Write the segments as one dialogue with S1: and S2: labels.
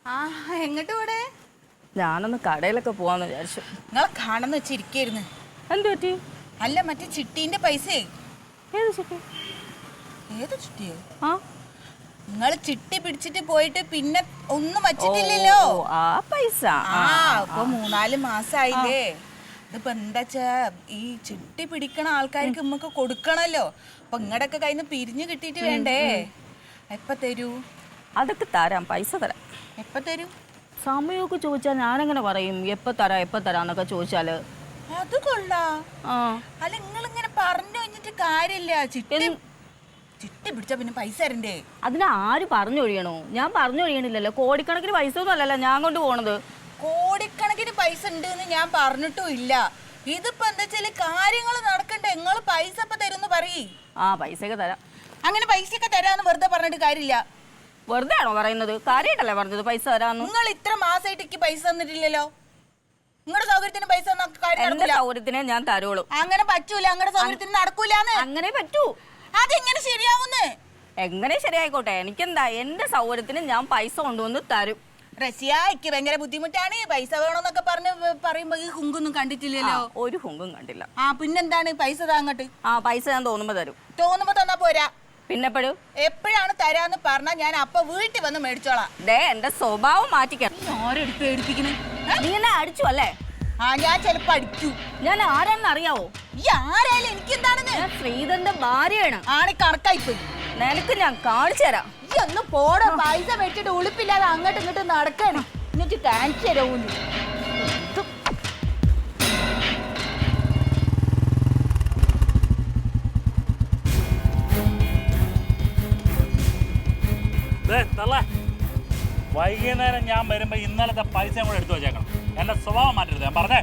S1: ആ എങ്ങോട്ട് പോടെ?
S2: ഞാനൊന്ന് കടയിലൊക്കെ പോവാന്ന് വിചാരിച്ചു.
S1: നിങ്ങളെ കാണുന്ന വെച്ചിരിക്കായിരുന്നു.
S2: എന്ത് പറ്റി?
S1: അല്ല മറ്റേ ചിട്ടീന്റെ പൈസ.
S2: ഏത് ചിട്ടി?
S1: ഏത് ചിട്ടിയോ?
S2: ആ
S1: നിങ്ങൾ ചിട്ടി പിടിച്ചിട്ട് പോയിട്ട് പിന്നെ ഒന്നും വച്ചിട്ടില്ലല്ലോ.
S2: ആ പൈസ
S1: ഇപ്പൊ 3-4 മാസായില്ലേ. ഇതിപ്പോ എന്താച്ചാ ഈ ചിട്ടി പിടിക്കണ ആൾക്കാർക്ക് നമുക്ക് കൊടുക്കണല്ലോ. അപ്പൊ ഇങ്ങടൊക്കെ കയ്യിൽ നിന്ന് പിരിഞ്ഞു കിട്ടിയിട്ട് വേണ്ടേ? എപ്പ തരൂ?
S2: അതൊക്കെ തരാം, പൈസ തരാം.
S1: എപ്പ തരൂ?
S2: സമയമൊക്കെ ചോദിച്ചാൽ ഞാനെങ്ങനെ പറയും എപ്പ തരാന്നൊക്കെ ചോദിച്ചാല്?
S1: അത് കൊള്ളാം. അല്ല നിങ്ങളിങ്ങനെ പറഞ്ഞു കഴിഞ്ഞിട്ട് കാര്യമില്ല. ചിട്ടി പിടിച്ചാ പിന്നെ പൈസ തരണ്ടേ?
S2: അതിന് ആര് പറഞ്ഞൊഴിയണോ? ഞാൻ പറഞ്ഞൊഴിയണില്ലല്ലോ. കോടിക്കണക്കിന് പൈസ ഒന്നും അല്ലല്ലോ ഞാൻ കൊണ്ട് പോണത്.
S1: കോടിക്കണക്കിന് പൈസ ഉണ്ട് എന്ന് ഞാൻ പറഞ്ഞിട്ടും ഇല്ല. ഇതിപ്പോ എന്താ വെച്ചാല് കാര്യങ്ങൾ നടക്കണ്ടേ. നിങ്ങൾ പൈസ ഇപ്പൊ തരുന്ന് പറയ്.
S2: പൈസയൊക്കെ തരാം.
S1: അങ്ങനെ പൈസയൊക്കെ തരാന്ന് വെറുതെ പറഞ്ഞിട്ട് കാര്യമില്ല.
S2: വെറുതെ ആണോ പറയുന്നത്? കാര്യമായിട്ടല്ലേ പറഞ്ഞത് പൈസ തരാന്ന്.
S1: നിങ്ങൾ ഇത്ര മാസമായിട്ട് എനിക്ക് പൈസ തന്നിട്ടില്ലല്ലോ. നിങ്ങളുടെ സൗകര്യത്തിന് പൈസ
S2: സൗകര്യത്തിനെ ഞാൻ തരുള്ളൂ.
S1: അങ്ങനെ പറ്റൂല. നിങ്ങളുടെ സൗകര്യത്തിന് നടക്കൂലെന്ന്.
S2: അങ്ങനെ പറ്റൂ.
S1: അതെങ്ങനെ ശരിയാവുന്ന്?
S2: എങ്ങനെ ശരിയായിക്കോട്ടെ, എനിക്കെന്താ, എന്റെ സൗകര്യത്തിന് ഞാൻ പൈസ കൊണ്ടുവന്ന് തരും.
S1: റസിയ, എനിക്ക് ഭയങ്കര ബുദ്ധിമുട്ടാണ്. പൈസ വേണമെന്നൊക്കെ പറയുമ്പോ ഈ ഹുങ്കൊന്നും കണ്ടിട്ടില്ലല്ലോ.
S2: ഒരു ഹുങ്കും കണ്ടില്ല.
S1: പിന്നെന്താണ്? പൈസ താങ്ങട്ട്.
S2: പൈസ ഞാൻ തോന്നുമ്പോ തരും.
S1: തോന്നുമ്പോ തന്നാ പോരാ.
S2: പിന്നെപ്പോഴും
S1: എപ്പോഴാണ് തരാന്ന് പറഞ്ഞാ ഞാൻ അപ്പൊ വീട്ടിൽ വന്ന് മേടിച്ചോളാം.
S2: എന്റെ സ്വഭാവം മാറ്റിക്കണം.
S1: ആരെടുത്ത് പേടിപ്പിക്കണേ?
S2: നീ എന്നെ അടിച്ചു അല്ലേ?
S1: ഞാൻ ചെലപ്പോ അടിക്കൂ.
S2: ഞാൻ ആരാണെന്ന് അറിയാവോ?
S1: ഈ ആരായാലും എനിക്ക് എന്താണെന്ന്?
S2: ഞാൻ ശ്രീധരന്റെ ഭാര്യയാണ്.
S1: കണക്കായിപ്പോയി.
S2: നിനക്ക് ഞാൻ കാണിച്ചു തരാം.
S1: ഈ ഒന്ന് പോടോ. പൈസ മേടിച്ചിട്ട് ഉളുപ്പില്ലാതെ അങ്ങോട്ടും ഇങ്ങോട്ടും നടക്കാണ്. എന്നിട്ട് കാണിച്ചു തരാവൂന്ന്.
S3: വൈകുന്നേരം ഞാൻ വരുമ്പോ ഇന്നലത്തെ പൈസ കൂടെ എടുത്തു വെച്ചേക്കണം. എന്റെ സ്വഭാവം മാറ്റരുത്. ഞാൻ പറഞ്ഞേ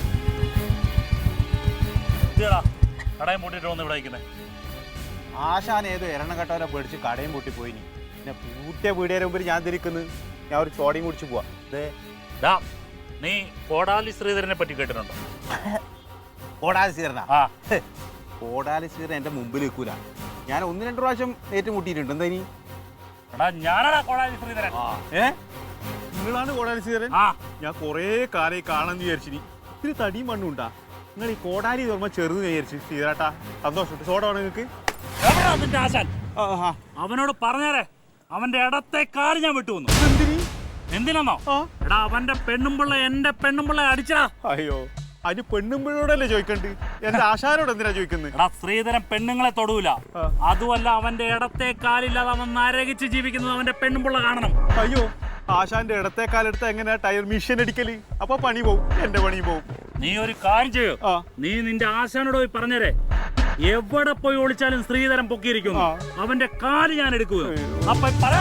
S3: കടയും പൂട്ടിട്ട് വന്ന് ഇവിടെ വയ്ക്കുന്നത്.
S4: ആശാൻ ഏതോ എരണം കെട്ടവരെ പേടിച്ച് കടയും പൂട്ടി പോയിനി. പിന്നെ പൂട്ടിയ പീടിയ മുമ്പിൽ ഞാൻ തിരിക്കുന്നു. ഞാൻ ഒരു ചോടയും കുടിച്ച് പോവാ.
S3: നീ കോടാലി ശ്രീധരനെ പറ്റി കേട്ടിട്ടുണ്ടോ?
S4: കോടാലി ശ്രീധരനാ? കോടാലി ശ്രീധരൻ എന്റെ മുമ്പിൽ നിൽക്കൂല. ഞാൻ 1-2 പ്രാവശ്യം ഏറ്റുമുട്ടിയിട്ടുണ്ട്. എന്താ ഇനി?
S3: ഞാനാടാ കോടാലി ശ്രീധരൻ.
S4: നിങ്ങളാണ് കോടാലി ശ്രീധരൻ? ഞാൻ കൊറേ കാലം കാണാന്ന് വിചാരിച്ചിനി. ഇത്തിരി തടിയും മണ്ണുണ്ടാ. നിങ്ങൾ ഈ കോടാലി ഓർമ്മ ചെറുത് വിചാരിച്ചു. ശ്രീധരാട്ടാ സന്തോഷം. സോഡ വേണം നിങ്ങൾക്ക്?
S3: ആശാൻ അവനോട് പറഞ്ഞേരെ, അവന്റെ ഇടത്തെ കാല് ഞാൻ വിട്ടു വന്നു. എന്തിനാന്നോ? എടാ അവന്റെ പെണ്ണുമ്പിള്ള എന്റെ പെണ്ണുമ്പിള്ള അടിച്ചടാ.
S4: അയ്യോ, അതിന് പെണ്ണുമ്പിള്ളോടല്ലേ ചോദിക്കണ്ട്? എന്റെ ആശാനോട് എന്തിനാ ചോദിക്കുന്നത്?
S3: എടാ ശ്രീധരൻ പെണ്ണുങ്ങളെ തൊടൂല. അതുമല്ല, അവന്റെ ഇടത്തെ കാലില്ലാതെ അവൻ നരകിച്ച് ജീവിക്കുന്നത് അവന്റെ പെണ്ണുമ്പിള്ള കാണണം.
S4: അയ്യോ, ആശാന്റെ ഇടത്തെ കാലെടുത്ത് എങ്ങനെയാ ടയർ മിഷൻ അടിക്കല്? അപ്പൊ പണി പോവും, എന്റെ പണി പോവും.
S3: നീ ഒരു കാര്യം ചെയ്യോ, നീ നിന്റെ ആശാനോട് പോയി പറഞ്ഞേരെ, എവിടെ പോയി ഒളിച്ചാലും ശ്രീധരൻ പൊക്കിയിരിക്കുന്നു, അവന്റെ കാല് ഞാൻ എടുക്കുക. അപ്പൊ പറ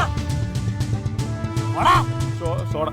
S4: സോഡ.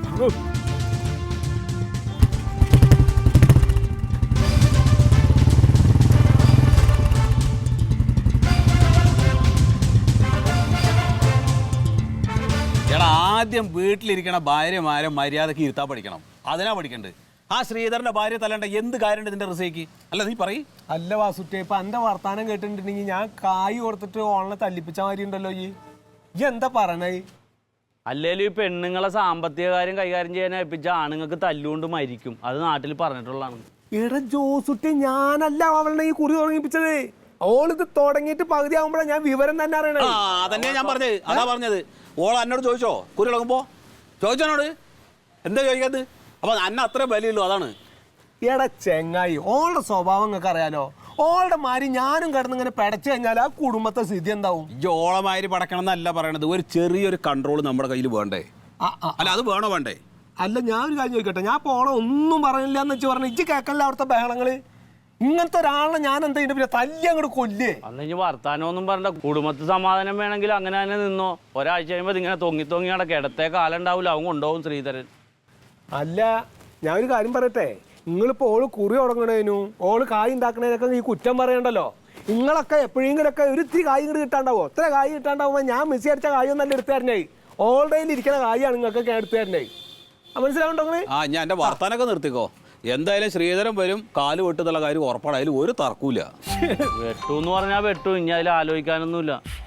S5: ആദ്യം വീട്ടിലിരിക്കണ ഭാര്യമാരെ മര്യാദക്ക് ഇരുത്താൻ പഠിക്കണം. അതിനാ പഠിക്കണ്ട്. ആ ശ്രീധരന്റെ ഭാര്യ തല്ലണ്ട എന്ത് കാര്യമുണ്ട് ഇതിന്റെ റിസയ്ക്ക്? അല്ല നീ പറയ്.
S6: അല്ല വാസുറ്റേ, ഇപ്പൊ എന്റെ വർത്താനം കേട്ടിട്ടുണ്ടെങ്കിൽ ഞാൻ കായ് കൊടുത്തിട്ട് ഓളെ തല്ലിപ്പിച്ച മാതിരി ഉണ്ടല്ലോ. ഈ എന്താ പറയണേ?
S7: അല്ലേലും ഈ പെണ്ണുങ്ങളെ സാമ്പത്തിക കാര്യം കൈകാര്യം ചെയ്യാൻ ഏൽപ്പിച്ച ആണുങ്ങൾക്ക് തല്ലുകൊണ്ട് മരിക്കും. അത് നാട്ടിൽ പറഞ്ഞിട്ടുള്ളതാണ്.
S6: എടാ ജോസുട്ടി, ഞാനല്ല അവളെ ഈ കുറി തുടങ്ങിപ്പിച്ചത്. ഓളിത് തുടങ്ങിയിട്ട് പകുതി ആകുമ്പോഴാണ് ഞാൻ വിവരം തന്നെ അറിയണേ.
S5: അതന്നെയാ ഞാൻ പറഞ്ഞത്. അതാ പറഞ്ഞത്. ഓൾ എന്നോട് ചോദിച്ചോ കുറി ഇളകുമ്പോ? ചോദിച്ചോനോട് എന്താ ചോദിക്കാത്? അപ്പൊ അന്ന അത്ര വിലയുള്ളൂ, അതാണ്.
S6: എടാ ചെങ്ങായി, ഓളുടെ സ്വഭാവം നിങ്ങൾക്ക് അറിയാലോ. ഓളുടെ മാതിരി ഞാനും കിടന്നിങ്ങനെ പെടച്ചു കഴിഞ്ഞാൽ ആ കുടുംബത്തെ സ്ഥിതി എന്താവും?
S5: ഈ ഓളമാതിരി പടക്കണം എന്നല്ല പറയണത്. ഒരു ചെറിയൊരു കൺട്രോൾ നമ്മുടെ കയ്യിൽ വേണ്ടേ? അല്ല അത് വേണോ വേണ്ടേ?
S6: അല്ല, ഞാൻ ഒരു കാര്യം ചോദിക്കട്ടെ. ഞാൻ ഇപ്പോൾ ഓളെ ഒന്നും പറഞ്ഞില്ല എന്ന് വെച്ച് പറഞ്ഞു ഇജ്ജ് കേൾക്കല്ല അവിടുത്തെ ബഹളങ്ങള്. ഇങ്ങനത്തെ ഒരാളെ ഞാൻ എന്താ പിന്നെ തല്ലി അങ്ങോട്ട് കൊല്ലേ?
S7: അന്ന് ഇനി വർത്താനമൊന്നും പറഞ്ഞ കുടുംബത്തിൽ സമാധാനം വേണമെങ്കിൽ അങ്ങനെ തന്നെ നിന്നോ. ഒരാഴ്ച കഴിയുമ്പോൾ ഇങ്ങനെ തൊങ്ങി നടക്കുക. ഇടത്തെ കാലം ഉണ്ടാവില്ല, അവൻ കൊണ്ടുപോകും ശ്രീധരൻ.
S6: അല്ല, ഞാൻ ഒരു കാര്യം പറയട്ടെ. നിങ്ങളിപ്പോൾ ഓള് കുറി തുടങ്ങണേനും ഓള് കായ് ഉണ്ടാക്കണേനൊക്കെ ഈ കുറ്റം പറയണ്ടല്ലോ. നിങ്ങളൊക്കെ എപ്പോഴെങ്കിലൊക്കെ ഒരു ഇത്തിരി കായ് ഇങ്ങോട്ട് കിട്ടാണ്ടാവോ? ഇത്ര കായ് കിട്ടാണ്ടാവുമ്പോൾ ഞാൻ മിസ് അടിച്ച കായൊന്നല്ല എടുത്തു തരണേ. ഓൾറെഡി ഇരിക്കുന്ന കായാണ് നിങ്ങൾക്കൊക്കെ എടുത്തു തരണേ. മനസ്സിലാവുണ്ടോ?
S5: ഞാൻ എന്റെ വർത്താനൊക്കെ നിർത്തിക്കോ. എന്തായാലും ശ്രീധരൻ വരും, കാല് വെട്ടുന്നുള്ള കാര്യം ഉറപ്പാണ്. അതിൽ ഒരു തർക്കൂല.
S7: വെട്ടു എന്ന് പറഞ്ഞാൽ വെട്ടു. ഇനി അതിൽ ആലോചിക്കാനൊന്നുമില്ല.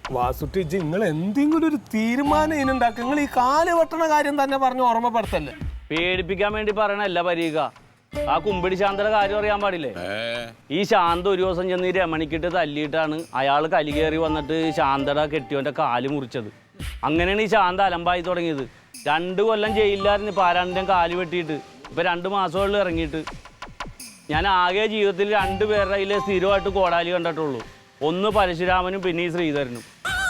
S6: വാസുട്ടി നിങ്ങൾ എന്തെങ്കിലും ഒരു തീരുമാനം ഇതിനുണ്ടാക്കുക. നിങ്ങൾ ഈ കാല് വെട്ടണ കാര്യം തന്നെ പറഞ്ഞ് ഓർമ്മപ്പെടുത്തല്ലേ.
S7: പേടിപ്പിക്കാൻ വേണ്ടി പറയണല്ല പരീക. ആ കുമ്പിടി ശാന്തയുടെ കാര്യം അറിയാൻ പാടില്ലേ? ഈ ശാന്ത ഒരു ദിവസം ചെന്ന് ഈ രമണിക്കിട്ട് തല്ലിയിട്ടാണ് അയാൾ കലി കയറി വന്നിട്ട് ശാന്തയുടെ കെട്ടിയോന്റെ കാല് മുറിച്ചത്. അങ്ങനെയാണ് ഈ ശാന്ത അലമ്പായി തുടങ്ങിയത്. 2 കൊല്ലം ജയിലിലായിരുന്നു ഇപ്പം ആരാണ്ടിൻ്റെ കാല് വെട്ടിയിട്ട്. ഇപ്പം 2 മാസമുകളിൽ ഇറങ്ങിയിട്ട്. ഞാൻ ആകെ ജീവിതത്തിൽ 2 പേരുടെ കയ്യിൽ സ്ഥിരമായിട്ട് കോടാലി കണ്ടിട്ടുള്ളൂ. ഒന്ന് പരശുരാമനും പിന്നെ ഈ ശ്രീധരനും.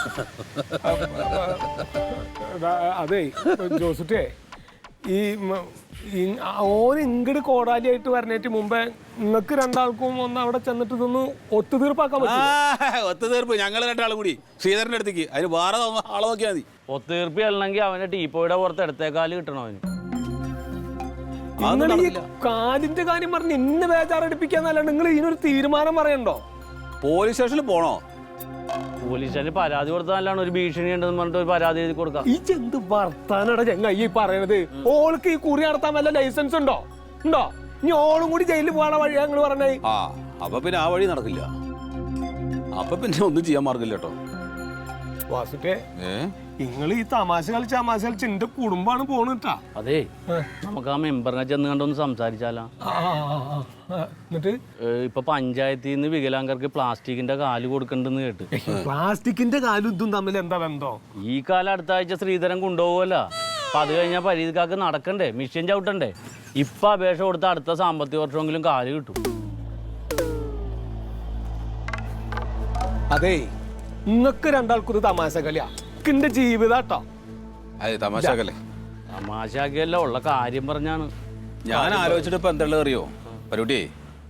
S6: അതെ ജോസുട്ടേ, ഈ ഓന് ഇങ്ങട് കോടാലിയായിട്ട് വരണേറ്റ് മുമ്പേ നിങ്ങൾക്ക് 2 ആൾക്കും ഒന്ന് അവിടെ ചെന്നിട്ട് ഇതൊന്ന് ഒത്തുതീർപ്പാക്കാൻ പറ്റും.
S5: ഒത്തുതീർപ്പ് ഞങ്ങൾ 2 ആളും കൂടി ശ്രീധരന്റെ അടുത്തേക്ക്. അതിന് വേറെ ആളെ നോക്കിയാൽ മതി.
S7: ഒത്തുതീർപ്പ് ചെല്ലണമെങ്കിൽ അവൻ്റെ ടീപ്പോയുടെ പുറത്ത് ഇടത്തേക്കാല് കിട്ടണം അവന്.
S6: നിങ്ങൾ ഈ കാലിന്റെ കാര്യം പറഞ്ഞ് ഇന്ന് ബേജാറടിപ്പിക്കാന്നല്ലാണ്ട് നിങ്ങൾ ഇതിനൊരു തീരുമാനം പറയണ്ടോ?
S5: പോലീസ് സ്റ്റേഷനിൽ പോണോ?
S7: പോലീസിന് പരാതി കൊടുത്താലാണ് ഒരു ഭീഷണി ഉണ്ടെന്ന് പറഞ്ഞിട്ട് ഒരു പരാതി എഴുതി കൊടുക്കാം.
S6: ഈ ചെന്ത് വർത്താനട ചെങ്ങ ഈ പറയണത്. ഓൾക്ക് ഈ കുറി നടത്താൻ വല്ല ലൈസൻസ് ഉണ്ടോ? ഇനി ഓളും കൂടി ജയിലിൽ പോകാനുള്ള വഴിയാ നിങ്ങൾ പറഞ്ഞേ.
S5: അപ്പൊ പിന്നെ ആ വഴി നടക്കില്ല. അപ്പൊ പിന്നെ ഒന്നും ചെയ്യാൻ മാർഗില്ല കേട്ടോ.
S6: വാസുട്ടേ, നിങ്ങൾ ഈ തമാശ കളിച്ച് എന്റെ കുടുംബാണ് പോണട്ടാ.
S7: അതെ, നമുക്ക് ആ മെമ്പറിനെ ചെന്ന് കണ്ടൊന്ന് സംസാരിച്ചാലോ?
S6: എന്നിട്ട്
S7: ഇപ്പൊ പഞ്ചായത്തിൽ നിന്ന് വികലാംഗർക്ക് പ്ലാസ്റ്റിക്കിന്റെ കാല് കൊടുക്കണ്ടെന്ന് കേട്ട്.
S6: പ്ലാസ്റ്റിക്കിന്റെ കാലും ഇതും തമ്മിൽ എന്താ ബന്ധം?
S7: ഈ കാലം അടുത്ത ആഴ്ച ശ്രീധരൻ കൊണ്ടുപോകുമല്ലോ. അപ്പൊ അത് കഴിഞ്ഞാൽ പരീതിക്കാർക്ക് നടക്കണ്ടേ, മിഷ്യൻ ചവിട്ടണ്ടേ. ഇപ്പൊ അപേക്ഷ കൊടുത്ത അടുത്ത സാമ്പത്തിക വർഷമെങ്കിലും കാല് കിട്ടും.
S6: അതെ, നിങ്ങൾക്ക് 2 ആൾക്കൊരു തമാശ കളിയാ. എന്റെ ജീവിതാട്ടോ.
S5: തമാശക്കല്ലേ?
S7: തമാശാക്കിയല്ല, ഉള്ള കാര്യം പറഞ്ഞാണ്.
S5: ഞാൻ ആലോചിച്ചിട്ട് ഇപ്പൊ എന്താ അറിയോ പരുട്ടിയെ?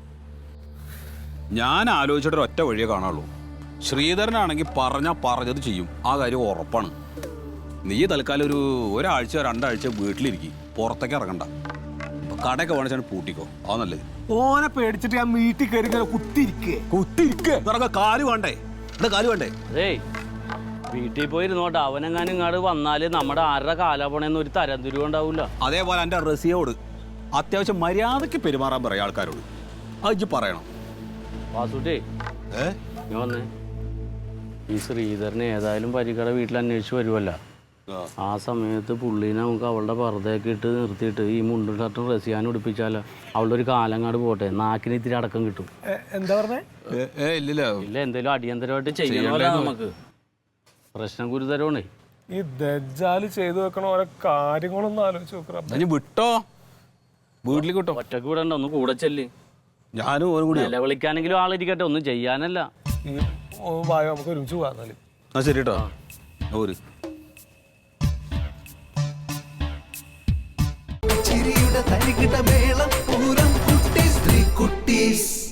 S5: ഞാൻ ആലോചിച്ചിട്ട് ഒറ്റ വഴിയേ കാണാനുള്ളൂ. ശ്രീധരനാണെങ്കിൽ പറഞ്ഞത് ചെയ്യും. ആ കാര്യം ഉറപ്പാണ്. നീ തൽക്കാലം ഒരാഴ്ച 2 ആഴ്ച വീട്ടിലിരിക്കും, പുറത്തേക്ക് ഇറങ്ങണ്ട. കടയൊക്കെ വേണിച്ചാണ് പൂട്ടിക്കോ, അത് നല്ലത്.
S6: ഓനെ പേടിച്ചിട്ട് ഞാൻ വീട്ടിൽ കയറി കുത്തിരിക്കേ.
S5: കാല് വേണ്ടേ? കാല് വേണ്ടേ?
S7: അതേ, വീട്ടിൽ പോയിരുന്നോട്ടെ. അവനെങ്ങാനും ഇങ്ങോട്ട് വന്നാല് നമ്മുടെ ആരുടെ കാലാപണെന്ന് ഒരു തരംതിരിവ് ഉണ്ടാവൂല.
S5: അതേപോലെ എൻ്റെ റസിയോട് അത്യാവശ്യം മര്യാദയ്ക്ക് പെരുമാറാൻ പറയാം ആൾക്കാരോട്. അത് പറയണം.
S7: വാസുട്ടേ, നീ വന്നേ. ഈ ശ്രീധരനെ ഏതായാലും പരിക്കട വീട്ടിൽ അന്വേഷിച്ച് വരുമല്ലോ. ആ സമയത്ത് പുള്ളീനെ നമുക്ക് അവളുടെ പർദ്ദയൊക്കെ ഇട്ട് നിർത്തിയിട്ട് ഈ മുണ്ടും ഷർട്ടും റസിയാനും ഉടുപ്പിച്ചാലോ? അവളുടെ ഒരു കാലങ്ങാട് പോട്ടെ, നാക്കിന് ഇത്തിരി അടക്കം കിട്ടും.
S6: എന്താ പറഞ്ഞേ?
S7: ഇല്ല, എന്തേലും അടിയന്തരമായിട്ട് ചെയ്യണമല്ലോ. നമുക്ക് പ്രശ്നം ഗുരുതരമാണേ.
S6: ഈ ദജ്ജാല് ചെയ്തു വെക്കണ ഓരോ കാര്യങ്ങളൊന്നും ആലോചിച്ച് നോക്കണം.
S5: വിട്ടോ, വീട്ടിലേക്ക് വിട്ടോ.
S7: ഒറ്റക്ക് വിടണ്ട, ഒന്ന് കൂടെ ചെല്ല്.
S5: ഞാനും ഓരും കൂടി
S7: നിലവിളിക്കാനെങ്കിലും ആളിരിക്കട്ടെ, ഒന്നും ചെയ്യാനല്ല.
S6: വായോ, നമുക്ക് ഒരുമിച്ച് പോകാന്നാല്.
S5: ശരി കേട്ടോ. ഒരു
S8: ചിരിയുടെ തരികിട മേളം പൂരം കുട്ടീസ് 3 കുട്ടീസ്.